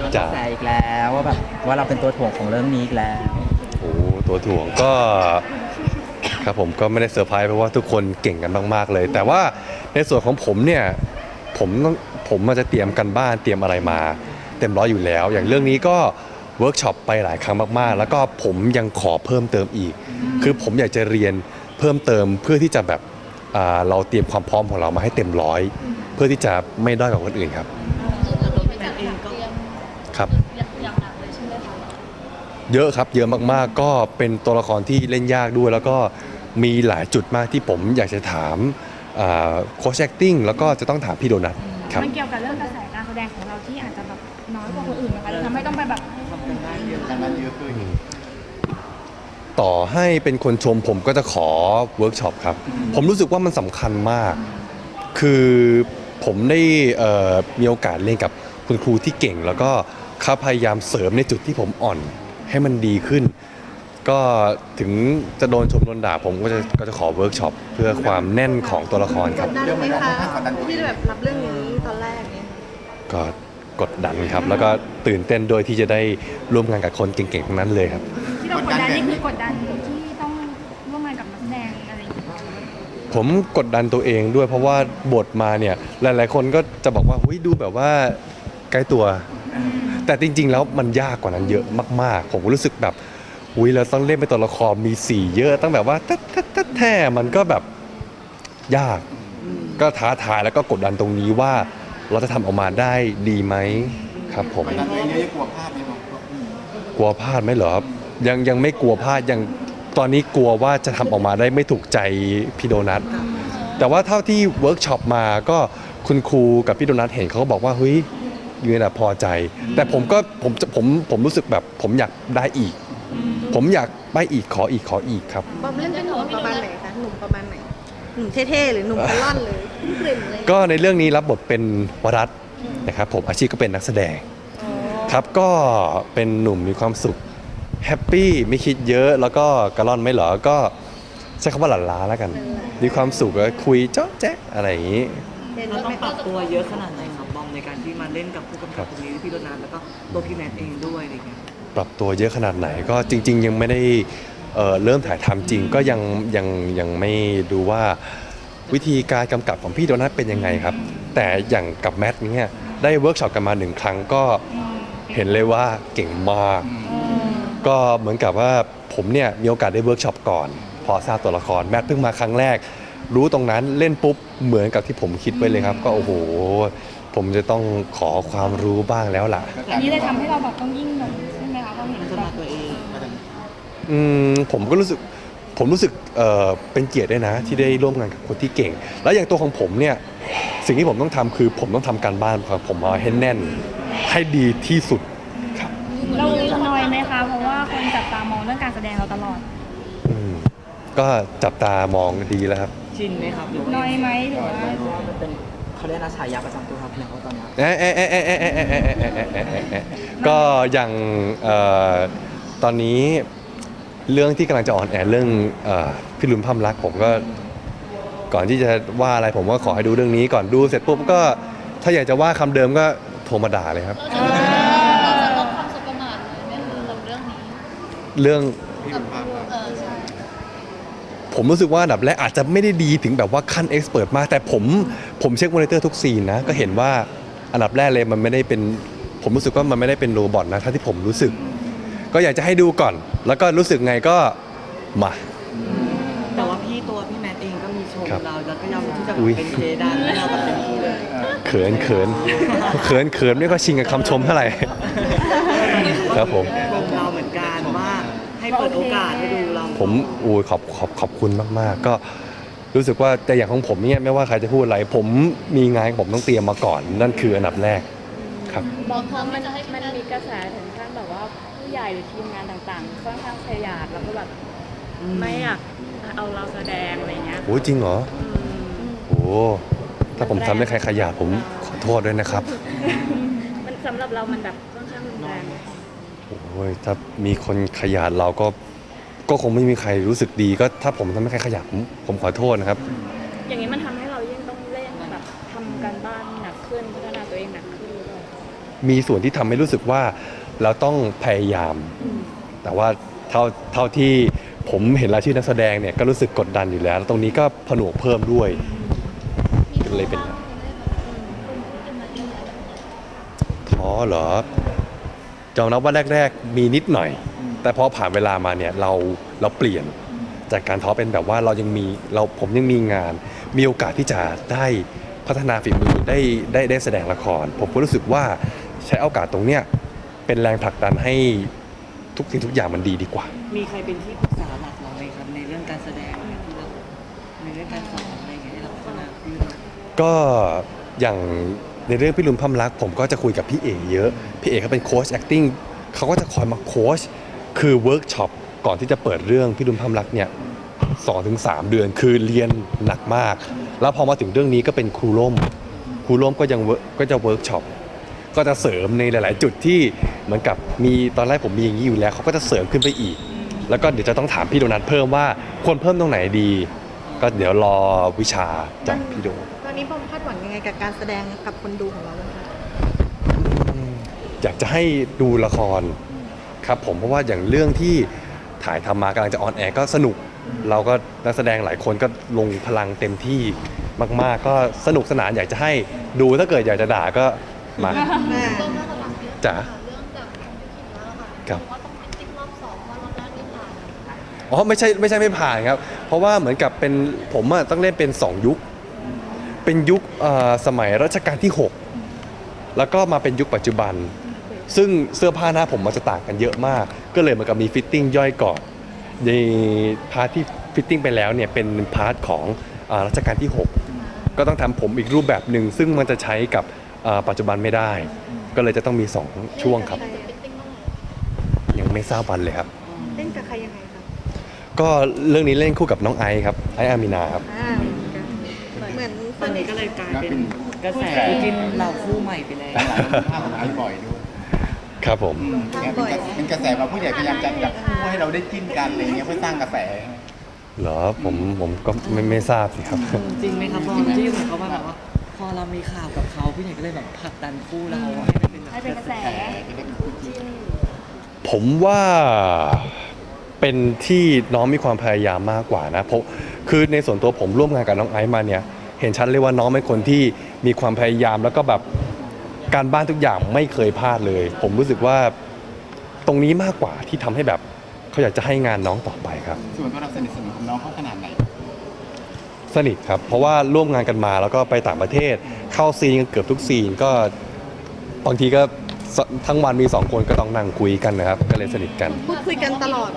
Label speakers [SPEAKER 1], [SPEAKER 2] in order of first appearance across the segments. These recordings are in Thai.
[SPEAKER 1] กระแสอีกแล้วว่าแบบว่าเราเป็นตัวถ่วงของเรื่องนี้อีกแล้ว
[SPEAKER 2] โอ้ตัวถ่วงก็ครับผมก็ไม่ได้เซอร์ไพรส์เพราะว่าทุกคนเก่งกันมากๆเลย แต่ว่าในส่วนของผมเนี่ยผมมันจะเตรียมกันบ้านเตรียมอะไรมาเต็มร้อยอยู่แล้ว อย่างเรื่องนี้ก็เวิร์กช็อปไปหลายครั้งมากๆแล้วก็ผมยังขอเพิ่มเติมอีกคือผมอยากจะเรียนเพิ่มเติมเพื่อที่จะแบบเราเตรียมความพร้อมของเรามาให้เต็มร้อยเพื่อที่จะไม่ด้อยกว่าคนอื่นครับครับเยอะครับเยอะมากๆก็เป็นตัวละครที่เล่นยากด้วยแล้วก็มีหลายจุดมากที่ผมอยากจะถามโค้ชแอคติ้งแล้วก็จะต้องถามพี่โดนัทครับ
[SPEAKER 3] มันเกี่ยวกับเรื่องกระแสการแสดงของเราที่อาจจะแบบน้อยกว่าคนอื่นนะคะทำให้ต้องไปแบบ
[SPEAKER 4] ทำกันได้เยอะขึ้น
[SPEAKER 2] ต่อให้เป็นคนชมผมก็จะขอเวิร์กช็อปครับผมรู้สึกว่ามันสำคัญมากคือผมได้มีโอกาสเรียนกับคุณครูที่เก่งแล้วก็เขาพยายามเสริมในจุดที่ผมอ่อนให้มันดีขึ้นก็ถึงจะโดนชมโดนด่าผมก็จะขอเวิร์กช็อปเพื่อความแน่นของตัวละครครับ
[SPEAKER 5] กดดันไหมคะที่แบบรับเรื่องนี้ตอนแรกเนี่ย
[SPEAKER 2] ก็กดดันครับแล้วก็ตื่นเต้นโดยที่จะได้ร่วมงานกับคนเก่งๆทั้งนั้นเลยครับ
[SPEAKER 3] ที่เรากดดันนี่คือกดดันที่ต้องร่วมงานกับนักแสดงอะไรอย่างเงี้ย
[SPEAKER 2] ผมกดดันตัวเองด้วยเพราะว่าบทมาเนี่ยหลายๆคนก็จะบอกว่าเฮ้ยดูแบบว่าใกล้ตัวแต่จริงๆแล้วมันยากกว่านั้นเยอะมากๆผมรู้สึกแบบอุ้ยเราต้องเล่นเป็นตัวละครมีสีเยอะตั้งแบบว่าแท้มันก็แบบยากก็ท้าทายแล้วก็กดดันตรงนี้ว่าเราจะทำออกมาได้ดีไหมครับผม
[SPEAKER 4] กดดันตัวเองเยอะกลัวพลาดไหมครับ
[SPEAKER 2] กลัวพลาดไหมเหรอครับยังไม่กลัวพลาดยังตอนนี้กลัวว่าจะทำออกมาได้ไม่ถูกใจพี่โดนัทแต่ว่าเท่าที่เวิร์กช็อปมาก็คุณครูกับพี่โดนัทเห็นเขาก็บอกว่าเฮ้ยยืนพอใจแต่ผมรู้สึกแบบผมอยากได้อีกผมอยากไปอีกขออีกครับ
[SPEAKER 5] บอมเล่นเป็นหนุ่มประมาณไหนคะหนุ่มประมาณไหนหนุ่มเท่ๆหรือหนุ่มกระล่อนเลยกลิ่นเลย
[SPEAKER 2] ก็ในเรื่องนี้รับบทเป็นวรัตน์นะครับผมอาชีพก็เป็นนักแสดงครับก็เป็นหนุ่มมีความสุขแฮปปี้ไม่คิดเยอะแล้วก็กระล่อนไม่เหรอก็ใช้คำว่าหลั่นล้าแล้วกันมีความสุขแล้วคุยเจ๊ะแจ๊ะอะไรอย่างนี้
[SPEAKER 6] เราต้องปรับตัวเยอะขนาดไหนครับบอมในการที่มาเล่นกับผู้กำกับคนนี้พี่โดนัทแล้วก็ตัวพี่แมทเองด้วยอะไรอย่างเงี้ย
[SPEAKER 2] ปรับตัวเยอะขนาดไหนก็จริงๆยังไม่ได้เริ่มถ่ายทำจริงก็ยังไม่ดูว่าวิธีการกำกับของพี่โดนัทเป็นยังไงครับแต่อย่างกับแมทเนี่ยได้เวิร์กช็อปกันมา1 ครั้งก็เห็นเลยว่าเก่งมากก็เหมือนกับว่าผมเนี่ยมีโอกาสได้เวิร์กช็อปก่อนพอทราบตัวละครแมทเพิ่งมาครั้งแรกรู้ตรงนั้นเล่นปุ๊บเหมือนกับที่ผมคิดไว้เลยครับก็โอ้โหผมจะต้องขอความรู้บ้างแล้วล่ะ
[SPEAKER 3] อันนี้เลยทำให้เราแบบต้องยิ่งแบบใช่ไหมคะเราเห็น
[SPEAKER 6] พัฒนาตัวเอง
[SPEAKER 2] ผมรู้สึกเป็นเกียรติด้วยนะที่ได้ร่วมงานกับคนที่เก่งแล้วอย่างตัวของผมเนี่ยสิ่งที่ผมต้องทำคือผมต้องทำการบ้านครับผมมาให้แน่นให้ดีที่สุดครับ
[SPEAKER 3] เราน้อยไหมคะเพราะว่าคนจับตามองเรื่องการแสดงเราตลอด
[SPEAKER 2] ก็จับตามองดีแล้วครับ
[SPEAKER 6] ชินไหมครับหรือ
[SPEAKER 3] น้อยไหมหรือว่า
[SPEAKER 1] มันเป็นเขาเรียกนะฉายาประจำตัวครับแล้วตอนนี้
[SPEAKER 2] ก็อย่างตอนนี้เรื่องที่กำลังจะออนแอร์เรื่องพี่ลุนพัมรักผมก็ก่อนที่จะว่าอะไรผมก็ขอให้ดูเรื่องนี้ก่อนดูเสร็จปุ๊บก็ถ้าอยากจะว่าคำเดิมก็โทรมาด่าเลยครับ
[SPEAKER 7] เราจะลดความสบประมาทเลยไหมกับเรื่องนี้
[SPEAKER 2] เรื่อง
[SPEAKER 7] ใช่
[SPEAKER 2] ผมรู้สึกว่าอันดับแรกอาจจะไม่ได้ดีถึงแบบว่าขั้นเอ็กซ์เพิร์ตมากแต่ผมเช็คมอนิเตอร์ทุกซีนนะก็เห็นว่าอันดับแรกเลยมันไม่ได้เป็นผมรู้สึกว่ามันไม่ได้เป็นโรบอทนะถ้าที่ผมรู้สึกก็อยากจะให้ดูก่อนแล้วก็รู้สึกไงก็มา
[SPEAKER 6] แต่ว่าตัวพี่แมทเองก็มีชมเราแล้วก็ยังที่จะเป็นเพดานให้เราแบบเต็มที่เลย
[SPEAKER 2] เขินไม่ก็ชิงกับคำชมเท่าไหร่ครับผม
[SPEAKER 6] เราเหมือนกันว่าให้เปิดโอกาสให้ดูเรา
[SPEAKER 2] ผมขอบคุณมากๆก็รู้สึกว่าแต่อย่างของผมเนี่ยไม่ว่าใครจะพูดอะไรผมมีงานผมต้องเตรียมมาก่อนนั่นคืออันดับแรกครับ
[SPEAKER 7] บอกเขามันจะให้มันมีกระแสถึงขั้นแบบว่าผู้ใหญ่หรือทีมงานต่างๆค่อนข้างขยาดแล้วก็แบบไม่อยากเอาเราแสดงอะไรเงี้ย
[SPEAKER 2] โอ้จริงเหรอโอ้ถ้าผมทำให้ใครขยาดผมขอโทษด้วยนะครับ
[SPEAKER 7] มันสำหรับเรามันแบบค่อนข้างรุนแรง
[SPEAKER 2] โอ้ยถ้ามีคนขยาดเราก็คงไม่มีใครรู้สึกดีก็ถ้าผมทำให้ใครขยาดผมขอโทษนะครับ
[SPEAKER 7] อย่างนี้มันทำให้เรายิ่งต้องเล่นแบบทำการบ้านหนักขึ้นพัฒนาตัวเองหนักขึ้น
[SPEAKER 2] มีส่วนที่ทำให้รู้สึกว่าเราต้องพยายาม แต่ว่าเท่าที่ผมเห็นรายชื่อนักแสดงเนี่ยก็รู้สึกกดดันอยู่แล้ว ตรงนี้ก็ผนวกเพิ่มด้วยเลยเป็นท้อเหรอยอมรับว่าแรกๆมีนิดหน่อย แต่พอผ่านเวลามาเนี่ยเราเปลี่ยนจากการท้อเป็นแบบว่าผมยังมีงาน มีโอกาสที่จะได้พัฒนาฝีมือได้แสดงละคร ผมก็รู้สึกว่าใช้โอกาสตรงเนี้ยเป็นแรงผลักดันให้ทุกสิ่งทุกอย่างมันดีกว่า
[SPEAKER 6] มีใครเป็นที่ปรึกษาหลักเราไหมครับในเรื่องการแสดงเนี่ยที่เราในเรื่องการสอนอะไรอย่างเงี้ยที่เราพัฒนาขึ้น
[SPEAKER 2] ก็อย่างในเรื่องพี่ลุนพำรักผมก็จะคุยกับพี่เอกเยอะพี่เอกเขาเป็นโค้ช acting เขาก็จะคอยมาโค้ชคือเวิร์กช็อปก่อนที่จะเปิดเรื่องพี่ลุนพำรักเนี่ย2-3 เดือนคือเรียนหนักมาก แล้วพอมาถึงเรื่องนี้ก็เป็นครูร่มก็จะเวิร์กช็อปก็จะเสริมในหลาย ๆ จุดที่เหมือนกับมีตอนแรกผมมีอย่างนี้อยู่แล้วเขาก็จะเสริมขึ้นไปอีก แล้วก็เดี๋ยวจะต้องถามพี่โดนัทเพิ่มว่าควรเพิ่มตรงไหนดี ก็เดี๋ยวรอวิชาจากพี่โด
[SPEAKER 5] ตอนนี้บอมคาดหวังยังไงกับการแสดงกับคนดูของเราบ้างคะ
[SPEAKER 2] อยากจะให้ดูละครครับผมเพราะว่าอย่างเรื่องที่ถ่ายทำมากำลังจะออนแอร์ก็สนุก เราก็นักแสดงหลายคนก็ลงพลังเต็มที่มากๆ ก็สนุกสนานอยากจะให้ดูถ้าเกิดอยากจะด่าก็มาจ๋าครับอ๋อไม่ใช่ไม่ผ่านครับ เพราะว่าเหมือนกับเป็นผมอะต้องเล่นเป็น2 ยุค เป็นยุคสมัยรัชกาลที่ 6 แล้วก็มาเป็นยุคปัจจุบัน ซึ่งเสื้อผ้าหน้าผมมันจะต่างกันเยอะมาก ก็เลยเหมือนกับมีฟิตติ้งย่อยก่อนในพาร์ทที่ฟิตติ้งไปแล้วเนี่ยเป็นพาร์ทของรัชกาลที่ 6 ก็ต้องทำผมอีกรูปแบบหนึ่งซึ่งมันจะใช้กับปัจจุบันไม่ได้ ก็เลยจะต้องมี2 ช่วงครับ ยังไม่ทราบวันเลยครับ
[SPEAKER 5] เล่นกับใครยังไงคะ
[SPEAKER 2] ก็เรื่องนี้เล่นคู่กับน้องไอซ์ครับไอซ์อามินาครับ
[SPEAKER 5] เหมือน
[SPEAKER 6] ตอนนี้ก็เลยกลายเป็นกระแสคู่จิ้นเราคู่ใหม่ไปแล้ว
[SPEAKER 4] หลายคนภาพของไอ้บ่อยด้วย
[SPEAKER 2] ครับผม
[SPEAKER 4] เนี่ยเป็นกระแสว่าผู้ใหญ่พยายามจะแบบพูดให้เราได้จิ้นกันอะไรเงี้ยเพื่อสร้างกระแส
[SPEAKER 2] เหรอผมก็ไม่ทราบสิครับ
[SPEAKER 6] จริงไหมครับบอมที่เหมือนเขาว่าแบบว่าพอเรามีข่าวกับเขาพี่ใหญ่ก็เลยแบบผลักดันคู่เราให้เป็นแบบ
[SPEAKER 3] ให้เป็นกระแส
[SPEAKER 2] ผมว่าเป็นที่น้องมีความพยายามมากกว่านะเพราะคือในส่วนตัวผมร่วมงานกับน้องไอซ์มาเนี่ยเห็นชัดเลยว่าน้องเป็นคนที่มีความพยายามแล้วก็แบบการบ้านทุกอย่างไม่เคยพลาดเลย ผมรู้สึกว่าตรงนี้มากกว่าที่ทำให้แบบเขาอยากจะให้งานน้องต่อไปครับ
[SPEAKER 4] ส่วนตัวเราสนิทสนมกับน้องเขาขนาดไหน
[SPEAKER 2] สนิทครับเพราะว่าร่วมงานกันมาแล้วก็ไปต่างประเทศเข้าซีนกันเกือบทุกซีนก็บางทีก็ทั้งวันมี2 คนก็ต้องนั่งคุยกันนะครับก็เลยสนิทกัน
[SPEAKER 5] พูดคุยกันตลอด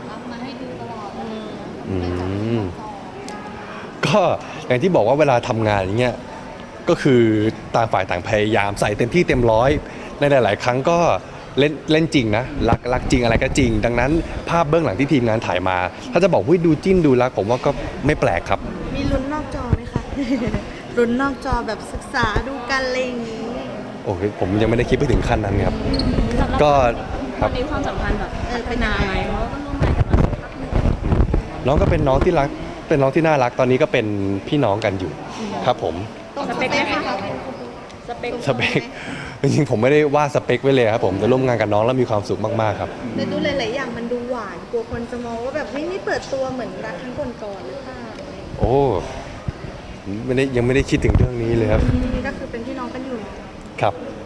[SPEAKER 2] อืมก็อย่างที่บอกว่าเวลาทำงานอย่างเงี้ยก็คือต่างฝ่ายต่างพยายามใส่เต็มที่เต็มร้อยในหลาย ๆ ครั้งก็เล่นจริงนะรักจริงอะไรก็จริง ดังนั้นภาพเบื้องหลังที่ทีมงานถ่ายมา ถ้าจะบอกว่าดูจิ้นดูรักผมว่าก็ไม่แปลกครับ
[SPEAKER 5] มีลุ้นนอกจอไหมคะ ลุ้นนอกจอแบบศึกษาดูกันอะไรอย่างนี้
[SPEAKER 2] โอ้ยผมยังไม่ได้คิดไปถึงขั้นนั้นครับ ก็ค
[SPEAKER 7] ต
[SPEAKER 2] รั
[SPEAKER 7] อบ นนี้ความสัมพันธ์แบบพัฒนาไหมเพราะว่าก็ร่วมงานกันมาสักพักหนึ่ง
[SPEAKER 2] น้องก็เป็นน้องที่รักเป็นน้องที่น่ารักตอนนี้ก็เป็นพี่น้องกันอยู่ครับผม
[SPEAKER 5] ต้อง
[SPEAKER 7] สเปคไหมคะสเปค
[SPEAKER 2] สเปคจริงๆผมไม่ได้ว่าสเปคไว้เลยครับผมแต่ร่วมงานกับน้องแล้วมีความสุขมากๆครับ
[SPEAKER 5] แต่ดูหลายๆอย่างมันดูหวานกลัวคนจะมองว่าแบบเฮ้ยนี่เปิดตัวเหมือนรักครั้งก่อนๆหรือเปล่า
[SPEAKER 2] โอ้ยังไม่ได้คิดถึงเรื่องนี้เลยครับ
[SPEAKER 5] ก็คือเป็นพี่น้องกันอยู่
[SPEAKER 2] ครับ
[SPEAKER 5] อ